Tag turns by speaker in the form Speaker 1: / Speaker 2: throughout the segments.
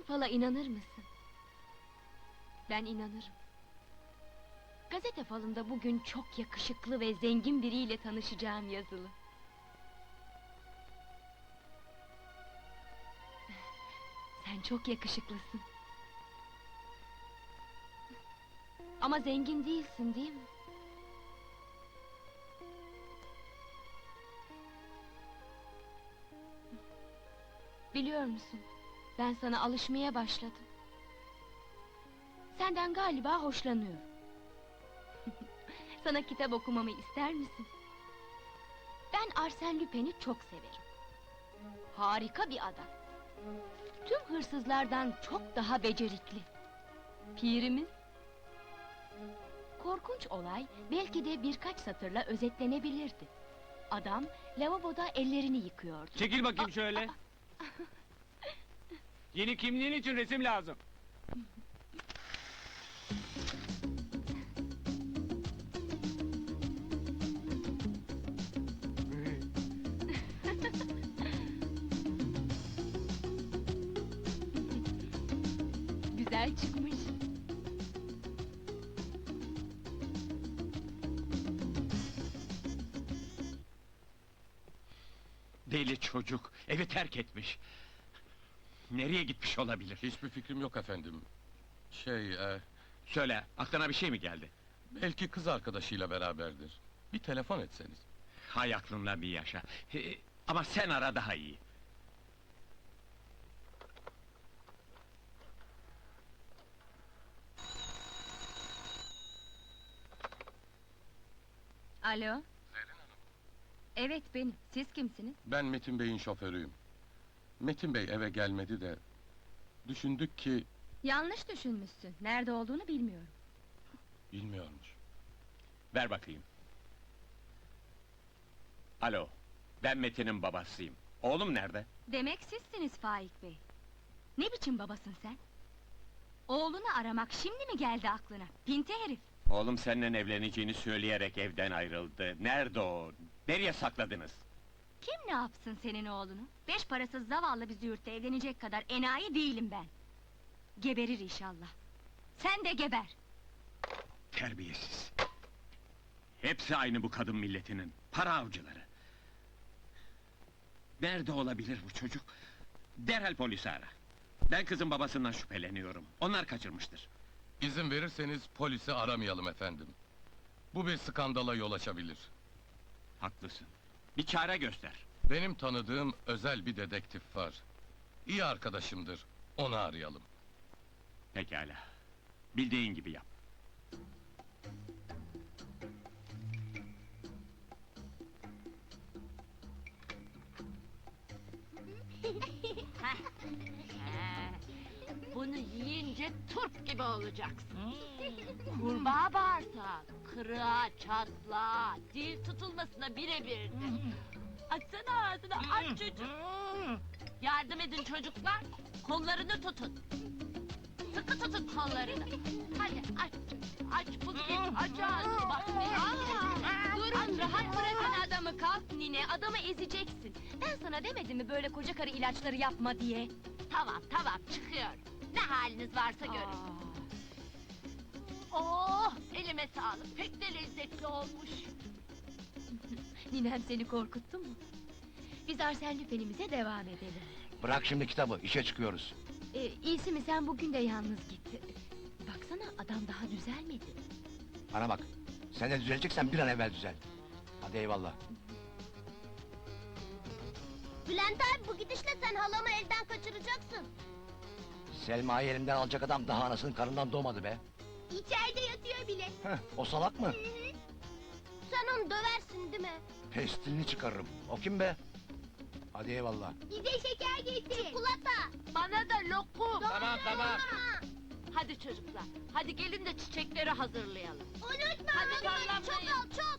Speaker 1: fala inanır mısın? Ben inanırım. Gazete falında bugün çok yakışıklı ve zengin biriyle tanışacağım yazılı. Sen çok yakışıklısın. Ama zengin değilsin, değil mi? Biliyor musun? Ben sana alışmaya başladım. Senden galiba hoşlanıyorum. Sana kitap okumamı ister misin? Ben Arsène Lupin'i çok severim. Harika bir adam. Tüm hırsızlardan çok daha becerikli. Pirimiz. Korkunç olay belki de birkaç satırla özetlenebilirdi. Adam lavaboda ellerini yıkıyordu.
Speaker 2: Çekil bakayım şöyle. Yeni kimliğin için resim lazım.
Speaker 1: Güzel çıkmış.
Speaker 2: Deli çocuk, evi terk etmiş. Nereye gitmiş olabilir?
Speaker 3: Hiçbir fikrim yok efendim.
Speaker 2: Söyle, aklına bir şey mi geldi?
Speaker 3: Belki kız arkadaşıyla beraberdir. Bir telefon etseniz.
Speaker 2: Hay aklınla bir yaşa. Ama sen ara daha iyi.
Speaker 1: Alo?
Speaker 3: Zerrin Hanım.
Speaker 1: Evet benim. Siz kimsiniz?
Speaker 3: Ben Metin Bey'in şoförüyüm. Metin Bey eve gelmedi de... Düşündük ki...
Speaker 1: Yanlış düşünmüşsün. Nerede olduğunu bilmiyorum.
Speaker 3: Bilmiyormuş.
Speaker 2: Ver bakayım. Alo, ben Metin'in babasıyım. Oğlum nerede?
Speaker 1: Demek sizsiniz Faik Bey. Ne biçim babasın sen? Oğlunu aramak şimdi mi geldi aklına? Pinti herif!
Speaker 2: Oğlum seninle evleneceğini söyleyerek evden ayrıldı. Nerede o? Nereye sakladınız?
Speaker 1: Kim ne yapsın senin oğlunu? Beş parasız zavallı bir züğürtle evlenecek kadar enayi değilim ben. Geberir inşallah. Sen de geber!
Speaker 2: Terbiyesiz! Hepsi aynı bu kadın milletinin, para avcıları! Nerede olabilir bu çocuk? Derhal polisi ara! Ben kızın babasından şüpheleniyorum, onlar kaçırmıştır.
Speaker 3: İzin verirseniz polisi aramayalım efendim. Bu bir skandala yol açabilir.
Speaker 2: Haklısın, bir çare göster!
Speaker 3: Benim tanıdığım özel bir dedektif var. İyi arkadaşımdır, onu arayalım.
Speaker 2: Pekala, bildiğin gibi yap.
Speaker 4: Bunu yiyince turp gibi olacaksın. Kurbağa bağırsağı, kırığa, çatlağa, dil tutulmasına birebirdir. Açsana ağzını, aç çocuk! Yardım edin çocuklar, kollarını tutun. Sıkı tutun kollarını. Hadi aç, aç Putin, aç ağzını bak.
Speaker 1: Durun, rahat bırakın adamı, kalk nine, adamı ezeceksin. Ben sana demedim mi böyle koca karı ilaçları yapma diye?
Speaker 4: Tamam, tamam, çıkıyor. Ne haliniz varsa görün. Oh, elime sağlık, pek de lezzetli olmuş.
Speaker 1: Ninem seni korkuttu mu? Biz Arsène Lupin'imize devam edelim.
Speaker 5: Bırak şimdi kitabı, işe çıkıyoruz.
Speaker 1: İyisi mi sen bugün de yalnız git. Baksana adam daha düzelmedi.
Speaker 5: Bana bak, sen de düzeleceksen bir an evvel düzel. Hadi eyvallah.
Speaker 6: Bülent abi bu gidişle sen halamı elden kaçıracaksın.
Speaker 5: Selma'yı elimden alacak adam daha anasının karnından doğmadı be.
Speaker 6: İçeride yatıyor bile.
Speaker 5: Heh, o salak mı?
Speaker 6: Sen onu döversin değil mi?
Speaker 5: Pestilini çıkarırım. O kim be? Hadi eyvallah.
Speaker 6: Bize şeker getir. Çikolata.
Speaker 4: Bana da lokum.
Speaker 2: Tamam, tamam!
Speaker 4: Hadi çocuklar, hadi gelin de çiçekleri hazırlayalım.
Speaker 6: Unutma
Speaker 4: Hadi
Speaker 6: halamı, çok
Speaker 4: sallanmayın.
Speaker 6: al çok.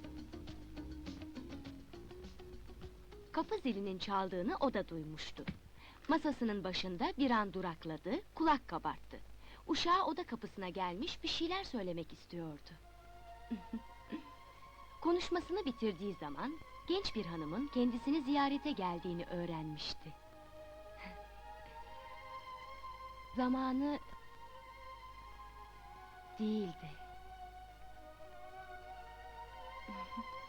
Speaker 1: Kapı zilinin çaldığını o da duymuştu. Masasının başında bir an durakladı, kulak kabarttı. Uşağı oda kapısına gelmiş bir şeyler söylemek istiyordu. Konuşmasını bitirdiği zaman genç bir hanımın kendisini ziyarete geldiğini öğrenmişti. zamanı değildi.